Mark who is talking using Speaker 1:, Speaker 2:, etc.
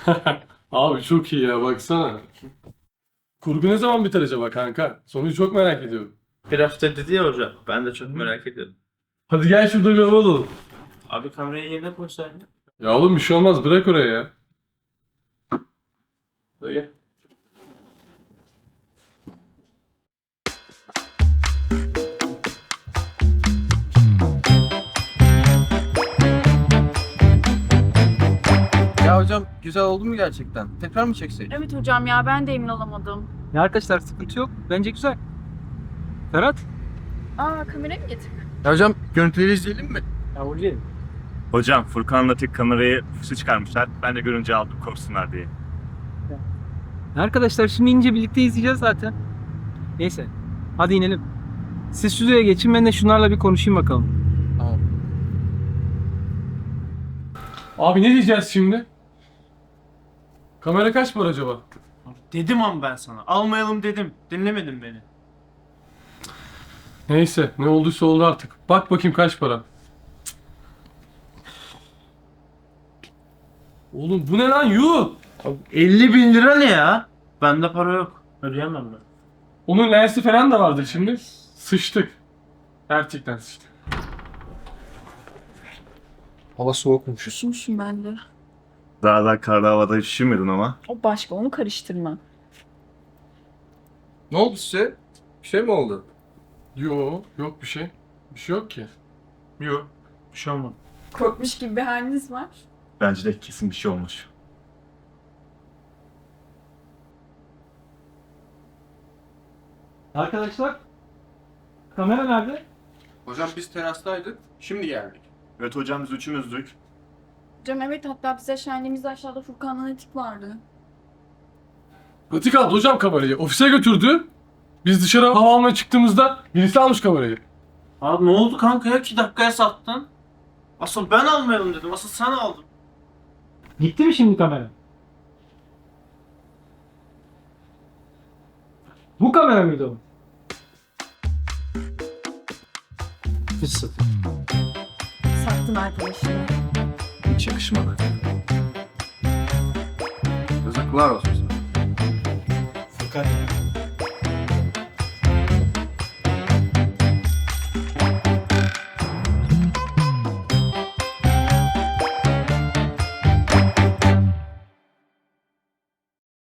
Speaker 1: Abi çok iyi ya baksana. Kurgu ne zaman biter acaba kanka? Sonucu çok merak ediyorum.
Speaker 2: Bir hafta dedi ya hocam. Ben de çok merak ediyorum.
Speaker 1: Hadi gel şurada bir hava alalım.
Speaker 2: Abi kamerayı yerine koysaydın.
Speaker 1: Ya oğlum bir şey olmaz bırak oraya ya. Hadi gel.
Speaker 3: Ya hocam güzel oldu mu gerçekten? Tekrar mı çeksek?
Speaker 4: Evet hocam ya ben de emin olamadım.
Speaker 5: Ya arkadaşlar sıkıntı yok. Bence güzel. Ferhat?
Speaker 4: Aa kamerayı mı getirdin?
Speaker 3: Ya hocam görüntüleri izleyelim mi?
Speaker 5: Ya Ulvi.
Speaker 6: Hocam Furkan'la tek kamerayı füze çıkarmışlar. Ben de görünce aldım korksunlar diye.
Speaker 5: Arkadaşlar şimdi ince birlikte izleyeceğiz zaten. Neyse. Hadi inelim. Siz stüdyoya geçin, ben de şunlarla bir konuşayım bakalım.
Speaker 3: Tamam.
Speaker 1: Abi ne diyeceğiz şimdi? Kamera kaç para acaba?
Speaker 2: Dedim ama ben sana. Almayalım dedim. Dinlemedin beni.
Speaker 1: Neyse ne olduysa oldu artık. Bak bakayım kaç para. Oğlum bu ne lan yuh?
Speaker 2: Abi 50 bin lira ne ya? Bende para yok. Ödeyemem ben.
Speaker 1: Onun lensi falan da vardır şimdi. Sıçtık. Gerçekten sıçtık.
Speaker 3: Hava soğukmuş.
Speaker 4: Üşümüşüm ben de.
Speaker 6: Daha karlı havada üşümedin ama.
Speaker 4: O başka onu karıştırma.
Speaker 3: Ne oldu size? Bir şey mi oldu?
Speaker 1: Yok bir şey. Bir şey yok ki.
Speaker 2: Yok. Bir şey olmadı.
Speaker 4: Korkmuş gibi bir haliniz var.
Speaker 6: Bence de kesin bir şey olmuş.
Speaker 5: Arkadaşlar, kamera nerede?
Speaker 3: Hocam biz terastaydık. Şimdi geldik.
Speaker 6: Evet hocam biz üçümüzdük.
Speaker 4: Hocam evet hatta bize şenliğimizde aşağıda Furkan'la Netik vardı.
Speaker 1: Pratik aldı hocam kamerayı. Ofise götürdü. Biz dışarı hava almaya çıktığımızda birisi almış kamerayı.
Speaker 2: Abi ne oldu kanka ya? 2 dakikaya sattın. Asıl ben almayalım dedim. Asıl sen aldın.
Speaker 5: Gitti mi şimdi kamera? Bu kamera mıydı o?
Speaker 4: Sattın arkadaşını.
Speaker 3: Hiç yakışmadı. Yazıklar olsun sana.
Speaker 2: Furkan ya.